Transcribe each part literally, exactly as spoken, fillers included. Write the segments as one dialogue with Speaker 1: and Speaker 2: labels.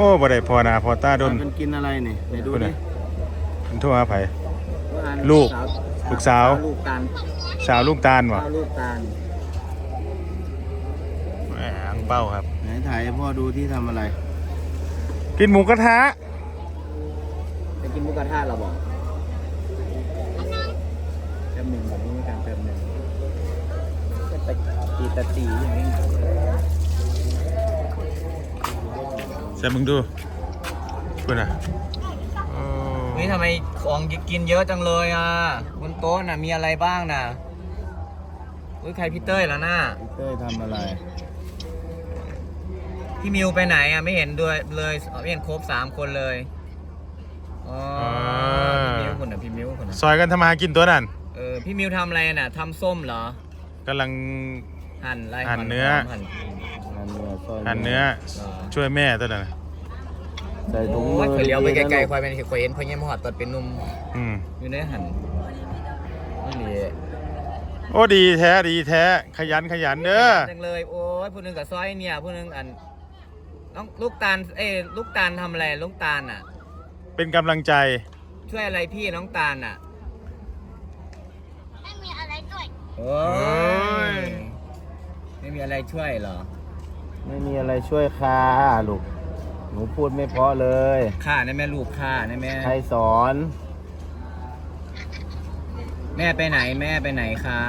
Speaker 1: บ่ได้พอนาพอตาดน
Speaker 2: มันกินอะไรเนี่ยไหนดูดิ
Speaker 1: มันทั่วไผลูกลูกสาว
Speaker 2: ลูกตาล
Speaker 1: สาวลูกตาลวะ
Speaker 2: ลูกตาล
Speaker 1: แหมอังเป้าครับ
Speaker 2: ไหนถ่ายให้พ่อดูที่ทำอะไร
Speaker 1: กินหมูกระทะ
Speaker 2: จะกินหมูกระทะเราบอกแป๊บหนึ่งแบบนี้มีการแป๊บหนึ่งจะไปตีตะตีอย่างนี้
Speaker 1: ใส่มึงดูคุณอ่ะ
Speaker 2: นี่ทำไมของกินเยอะจังเลยอ่ะบนโต๊ะน่ะมีอะไรบ้างน่ะอุ้ยใครพี่เต้ยแล้วน่ะพี่เต้ยทำอะไรพี่มิวไปไหนอ่ะไม่เห็นด้วยเลยไม่เห็นครบสามคนเลยอ๋อพี่มิวคนน่ะพี่มิวคนน่ะ
Speaker 1: ซอยกันทำมากินตัวนั่น
Speaker 2: เออพี่มิวทำอะไรน่ะทำส้มเหรอก
Speaker 1: ำลัง
Speaker 2: หั่นอะไร
Speaker 1: หั่นเนื้อหั่นเนื้อช่วยแม่ตัวนั้น
Speaker 2: ใส่ถุงมือเลี้ยวไปไกลๆควายเป็นควายเห็นควายเงี้ยมหอดตอนเป็นนุ่มอยู่ในหั่นนี่
Speaker 1: โอ้ดีแท้ดีแท้ขยันขยันเด้อ
Speaker 2: จังเลยโอ้ยผู้นึงกับซอยเนี่ยผู้นึงอันน้องลูกตาลเอ้ลูกตาลทำอะไรลูกตาลอ่ะ
Speaker 1: เป็นกำลังใจ
Speaker 2: ช่วยอะไรพี่น้องตาลอ่ะ
Speaker 3: ไม่มีอะไรด้วย
Speaker 2: โอ้ยไม่มีอะไรช่วยเหรอไม่มีอะไรช่วยค่ะลูกหนูพูดไม่เพราะเลยค่ะนะแม่ลูกค่ะนะแม่ใครสอนแม่ไปไหนแม่ไปไหนคะ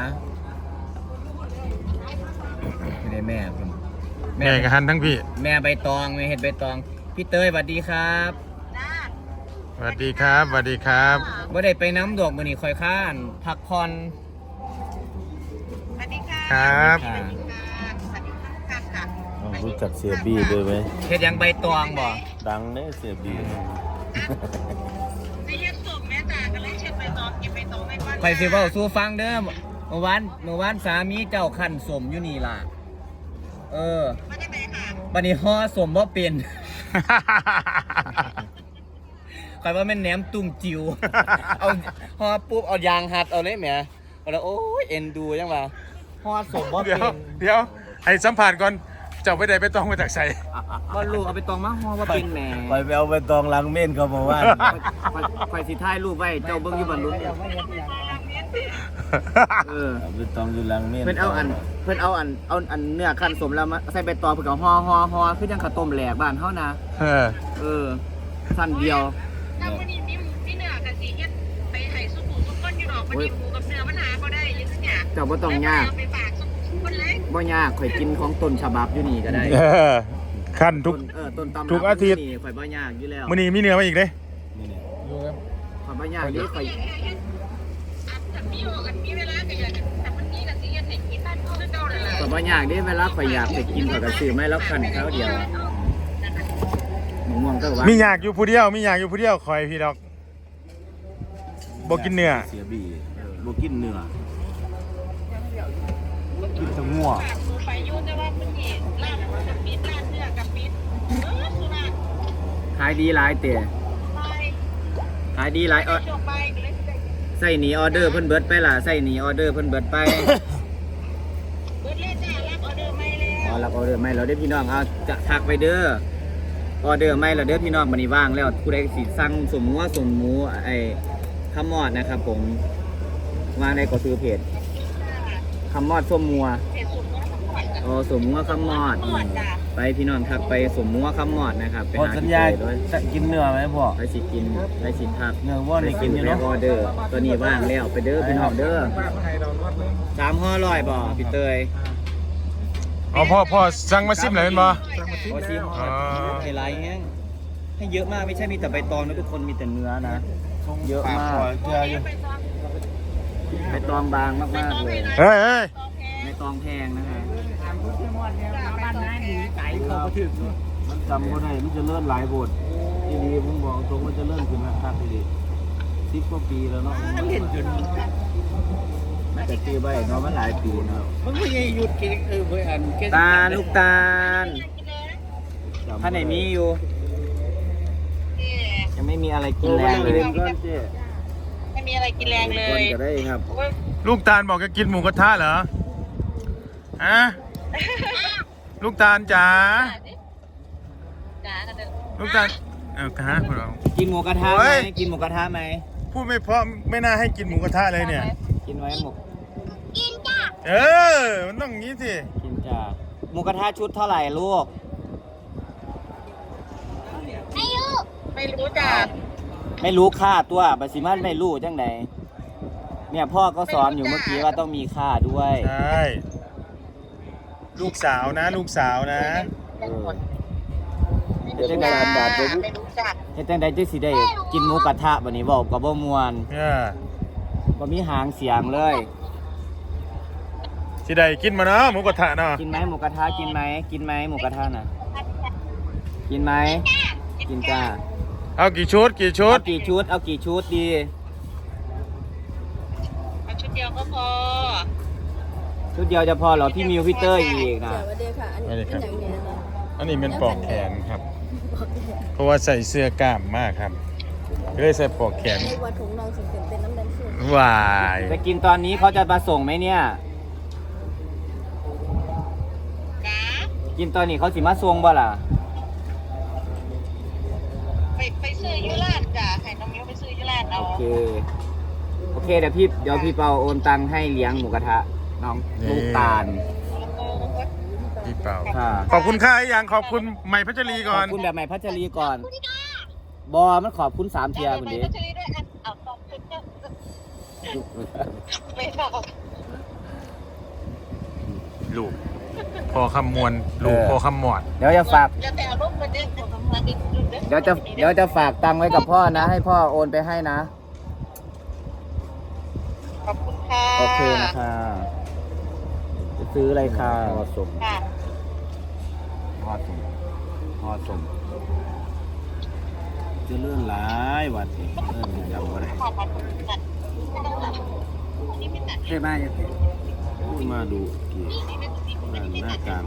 Speaker 2: ไม่ได้แม่คุณ
Speaker 1: แม่กับฮันทั้งพี่
Speaker 2: แม่ใบตองแม่เห็ดใบตองพี่เต้ยสวัสดีครับ
Speaker 1: สวัสดีครับสวัสดีครับ
Speaker 2: บ่ได้ไปน้ำดอกมือนี่คอยข้านพักผ่อน
Speaker 3: สวัสดีค่ะ
Speaker 1: ครับ
Speaker 2: รู้จักเสียบี้ด้วยไหมเห็ดยังใบตองบ่ดังเนี่ยเสียบี้
Speaker 3: ไม่เห็ดสมแม่จ๋าก็เลยเช็ดใบตองกินใบตองไม่ว่า
Speaker 2: ใครสิว่าสู้ฟังเด้อเมื่อวานเมื่อวานสามีเจ้าขันสมอยู่นี่ล่ะเออ
Speaker 3: มาได้ไหมค่ะ
Speaker 2: วันนี้ห่อสมบ่เป็นใครว่าแม่นแหนมตุ่มจิ๋วเอาห่อปุ๊บเอายางหัดเอาเลยแหมเอาแล้วโอ้ยเอ็นดูยังวะห่อสมบ่เป็น
Speaker 1: เดี๋ยวให้สัมผัสก่อนเจ้าไปไหนไปตองมาจากใส่
Speaker 2: ก็ลูกเอาไปตองมาห่อว่าเป็นแหม
Speaker 4: ไปไปเอาไปตองลังเม่นเขาบอกว่า
Speaker 2: ไฟสิท้ายรูปไว้เจ้าเบิ้งอยู่บนรุ่นเออ
Speaker 4: ไปตองอยู่ลังเม่น
Speaker 2: เพื่อนเอาอันเพื่อนเอาอันเอาอันเนื้อขั้นสมแล้วมาใส่ใบตองเพื่อกับห่อห่อห่อคือยังข้าวต้มแหลกบ้านเขานะ
Speaker 1: เออ
Speaker 2: เออสั้นเดียว
Speaker 3: ถ้าวันนี้มีมีเนื้อกับสีเฮ็ดไปไห่สุกุสุกก้นอยู่หรอกวันนี้หมูกับเนื้อมันหาก็ได้ยังไง
Speaker 2: เจ้าบ่ต้องยาก
Speaker 3: ไปฝากสุกุคนเล็ก
Speaker 2: บ่ยากข่อยกินของต้นฉบับอยู่นี่ก็ได้
Speaker 1: ขั้นทุก
Speaker 2: เออต้นตำ
Speaker 1: ทุกอาทิตย์
Speaker 2: ข่อยบ่ยากอยู่แล้ว
Speaker 1: มื้อนี้มีเนื้อมาอีกเด้
Speaker 2: ข่อยบ่ยากดิข่อย
Speaker 3: อันมีออกอันมีเวลาก็อยากแต่วันนี้ก็สิเฮ็ดให้กินได้คือเก่านั่นแหละ
Speaker 2: ข่อยบ่ยากดิเวลาข่อยอยากไปกินข่อยก็ซื้อมาแล้วคั่นคราวเดียวม่วงก็ว่า
Speaker 1: มีอยากอยู่ผู้เดียวมีอยากอยู่ผู้เดียวข่อยพี่ดอกบ่กินเนื้อ
Speaker 4: เสียบี้บ่กินเนื้อกินแต่งัว
Speaker 3: ไปอยู่แต่ว่ามันนี่ร้านกับปิดร้านเนื้อกับปิดเออสุรา
Speaker 2: ขายดีหลายเตะขายดีหลายเออใส่หนีออเดอร์เพิ่นเบิดไปล่ะใส่หนีออเดอร์เพิ่นเบิดไป
Speaker 3: เบิดเลยจ้ารับออเดอร์ไม่แล้ว
Speaker 2: อ๋อรับออเดอร์ไม่แล้วเด้อพี่น้องเอาจะทักไปเด้อออเดอร์ไม่แล้วเด้อพี่น้องบัดนี้ว่างแล้วผู้ใดสิสั่งสมหมูสมหมูไอ้คำมอดนะครับผมวางในก็ซื้อเพจคำมอดส้มมัวโอ้สมมัวคำมอดไปพี่น้องทักไปสมมัวคำมอดนะครับไปหา
Speaker 4: สัญญาจะกินเนื้อไหมพ่อ
Speaker 2: ไปสิกินไปสิทัก
Speaker 4: เนื้อว่าในกินอยู่เนาะ
Speaker 2: ออเดอร์ตัวนี้ว่างแล้วไปเด้อพี่น้องเด้อสามห่อร้อยบ่พี่เตย
Speaker 1: อ๋อพ่อพ่อสั่งมาซิมเลยเป็นบ่
Speaker 2: พอซิมไฮไลท์แห้งให้เยอะมากไม่ใช่มีแต่ใบตองนะทุกคนมีแต่เนื้อนะเยอะมาก
Speaker 4: เจออยู่
Speaker 2: ใบตองบางมากๆเลย
Speaker 1: เฮ้ยเฮ้ย
Speaker 2: ใบตองแพงนะฮะบ้านน้าหนีไก่เขาก็ถึง
Speaker 4: มันจำก็ได้มันจะเลื่อนหลายบททีดีผมบอกตรงว่าจะเลื่อนขึ้นนะครับทีดีสิบกว่าปีแล้วเนาะ
Speaker 2: มันเล่นจน
Speaker 4: น่าจะตีใบเนาะมันหลายปีเนาะ
Speaker 2: มันไม่หยุดกินเออเพื่อนตาลูกตาลถ้าไหนมีอยู่ยังไม่มีอะไรกินแรงเลย
Speaker 3: ไม่มีอะไรกินแรงเลย
Speaker 2: ก็ได้ครับ
Speaker 1: ลูกตาลบอกจะกินหมูกระทะเหรอฮะลูกตาลจ๋า
Speaker 3: ากันเด้อ
Speaker 1: ลูกตาลเอากระทะพวกเรา
Speaker 2: กินหมูกระทะ
Speaker 1: โอ้
Speaker 2: ไหม
Speaker 1: ย
Speaker 2: กินหมูกระทะไหม
Speaker 1: พูดไม่เพราะไม่น่าให้กินหมูกระทะเลยเนี่ย
Speaker 2: กินไว้หมู
Speaker 1: เออ มันต้องอย่างนี้สิ
Speaker 2: กินจ้าหมูกระทะชุดเท่าไหร่ลูก
Speaker 3: ไม่รู้จ้ะ
Speaker 2: ไม่รู้ค่าตัวบัสิมันไม่รู้จังใดเนี่ยพ่อก็สอนอยู่เมื่อกี้ว่าต้องมีค่าด้วย
Speaker 1: ใช่ลูกสาวนะ ลูกสาวนะ
Speaker 2: เออ
Speaker 3: ไม่รู้จ้ะไม่รู้จัก
Speaker 2: เฮ็ดจังใดจังสิได้กินหมูกระทะบัดนี้เว้าก็บ่ม่วน
Speaker 1: เออ
Speaker 2: บ่มีหางเสียงเลย
Speaker 1: สิได้กินมาเนาะหมูกระทะเนาะ
Speaker 2: กินไหมหมูกระทะกินไหมกินไหมหมูกระทะน่ะกินไหมกินจ้า
Speaker 1: เอากี่ชุดกี่ชุ
Speaker 2: เอา
Speaker 1: ด
Speaker 2: กี่ชุดเอากี่ชุดดี
Speaker 3: เอาชุดเดียวก็พอ
Speaker 2: ชุดเดียวจะพอเหรอพี่มิวพี่เต้ยอีกนะ
Speaker 5: สวัสดีค่ะ อันนี้เป็นอย่างนี้นะคะ
Speaker 1: อันนี้เป็นปลอกแขนครับ เพราะว่าใส่เสื้อกล้ามมากครับก็เลยใส่ปลอกแขน
Speaker 5: ในวันถุงนองสิเต็มเต้นน้ำแดงสูง
Speaker 1: วาย
Speaker 2: จะกินตอนนี้เขาจะมาส่งไหมเนี่ย
Speaker 3: จ้า
Speaker 2: กินตอนนี้เขาสิมาส่งบ่ล่ะ
Speaker 3: ไปไปซื้อยูราดจ้ะให้น้องมิ้วไปซื้อยูราดเอา
Speaker 2: โอเค โอเคเดี๋ยวพี่เดี๋ยวพี่เปาโอนตังค์ให้เลี้ยงหมูกระทะน้องลูกตาล
Speaker 1: พี่เป่า
Speaker 2: ค่ะ
Speaker 1: ขอบคุณค่าอย่างขอบคุณใหม่พัชรี
Speaker 2: ข
Speaker 1: ก่อ
Speaker 2: อน บคุณแบบใหม่พัชรีก่อน บอมันขอบคุณสามเทียคุณ
Speaker 3: ไป
Speaker 2: ดิ
Speaker 3: ก็ซื้อด้วยอันเอาสองชุดเนี่ยไม่บอก
Speaker 1: ลูกพอคำมวลลูกพอคำหมอด
Speaker 2: เดี๋ยวจะฝาก
Speaker 3: แล้วแต่เอารูปมาเด้งมาดิ
Speaker 2: เดี๋ยวจะเดี๋ยวจะฝากตังค์ไว้กับพ่อนะ ให้พ่อโอนไปให้นะ
Speaker 3: ขอบคุณค่ะ
Speaker 2: โอเคนะคะจะซื้ออะไรค่ะหอสม
Speaker 3: ค่ะ
Speaker 2: หอสมหอสม
Speaker 4: จะเลื่อนหลายวัดนี่เลื่อนจำอะไร
Speaker 3: ขอบคุณค่ะนี่ไม่ตัด
Speaker 2: ใช่ไหม
Speaker 4: พูดมาดูกี่ด้านหน้ากลาง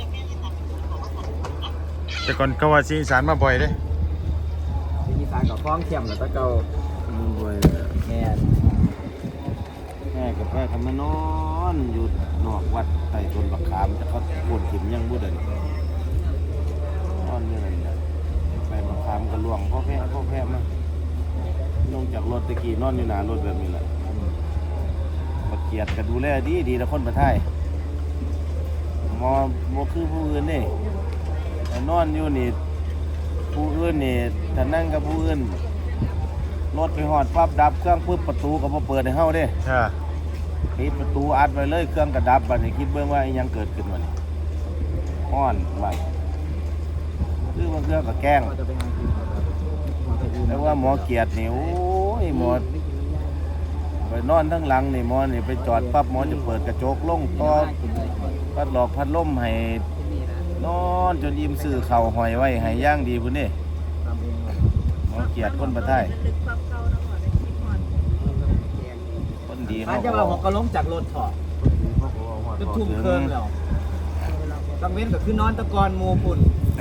Speaker 1: แต่ก่อนก็ว่าซีอีสานมาบ่อยเด้
Speaker 2: ที่สานกับคล้องเข็มแล้วก็เกา
Speaker 4: มันบ่อยเลย
Speaker 2: แม่น
Speaker 4: แม่กับแม่ทำมานอนอยู่นอกวัดใต้ต้นบักขามแต่เขาปวดถิ่มยังบุดเด่นนอนอยู่นั่นแหละไปบักขามก็ล่วงพ่อแพ้พ่อแพ้มาลงจากรถตะกี้นอนอยู่หน้ารถแบบนี้แหละบักเกียดก็ดูแลดีดีนะคนประเทศมอมอคือผู้อื่นนี่แต่นอนอยู่นี่ผู้อื่นนี่ถ้านั่งกับผู้อื่นรถไปหอดปั๊บดับเครื่องปุ๊บประตูก็มาเปิดให้เฮาเด้
Speaker 1: ค่ะ
Speaker 4: ปิดประตูอัดไว้เลยเครื่องกระดับบัดนี้คิดเบิ่งว่าอิหยังเกิดขึ้นบัดนี้ฮ้อนว่าคือบางเครื่องก็แกล้ง
Speaker 2: ก็จะไปหากินครับ
Speaker 4: แต่ว่าหมอเกียรตินี่โอ้ยหมอไปนอนทั้งหลังนี่หมอนี่ไปจอดปั๊บหมอจะเปิดกระจกลงต่อพัดหลอกพัดลมให้นอนจนยิ้มซื้อเข่าวหอยไว้ให้ย่างดีพุ่นนี่หมอเกียรติคนประเทศ
Speaker 5: ลึกความเก่าแล้วหมดเลยคิดหอด
Speaker 4: คนดี
Speaker 2: อา
Speaker 4: เขา
Speaker 2: จจะมาหกกระล้มจากรถถอดจะทุ่มเครื่องแล้วกังเว้นก็คือนอนตะกอนหมูพุ่น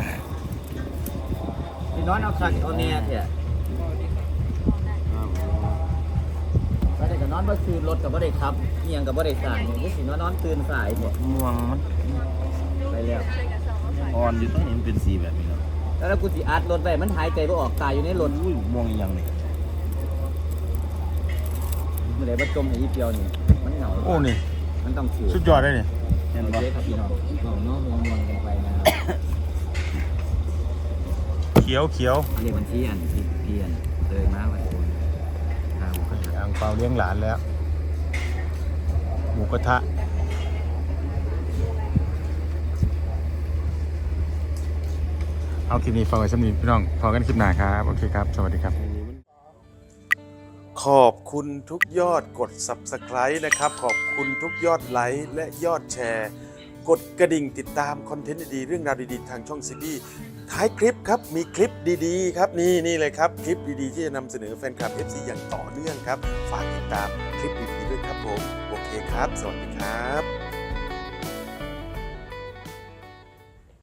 Speaker 2: ที่นอนเอาขันเอาแน่เถอะก็ได้ก็นอนบ่คืนรถก็บ่ได้ขับเอียงก็บ่ได้สายนี่สินอนนอนตื่นสายเถอะ
Speaker 4: ม่วงมัน
Speaker 2: ไปแล้ว
Speaker 4: อ่อนอยู่ตรงนี้มันเป็นสีแบบนี้เนาะ
Speaker 2: แล้วกูสิอัดรถไว้มันหายใจบ่ออกตายอยู่ในรถ
Speaker 4: อุ้ยม่วงอีหยังนี่
Speaker 2: เมื่อไหร่บ่จมให้อีเปียวนี่มันเหงา
Speaker 1: โอ้นี่
Speaker 2: มันต้องถือ
Speaker 1: สุดยอดเลยนี่
Speaker 4: เห็น
Speaker 2: โอ
Speaker 4: บ่
Speaker 2: เคครับพี่น้องน้องน้องมวนๆกันไปนะครับ
Speaker 1: เขียวเขียว
Speaker 2: เรียกบัญชีอันที่เพียนเลยมาวันนี้ทางก็
Speaker 1: อ่างเปาเลี้ยงหลานแล้ว หมูกระทะเอาคลิปนี้ฝากไว้สำหรับพี่น้องพอกันคลิปหน้าครับโอเคครับสวัสดีครับ ขอบคุณทุกยอดกด ซับสไครบ์ นะครับขอบคุณทุกยอดไลค์และยอดแชร์ กดกระดิ่งติดตามคอนเทนต์ดีๆเรื่องราวดีๆทางช่องซีบีท้ายคลิปครับมีคลิปดีๆครับนี่นี่เลยครับคลิปดีๆที่จะนำเสนอแฟนคลับ เอฟ ซี อย่างต่อเนื่องครับฝากติดตามคลิปดีๆด้วยครับผมโอเคครับสวัสดีครับ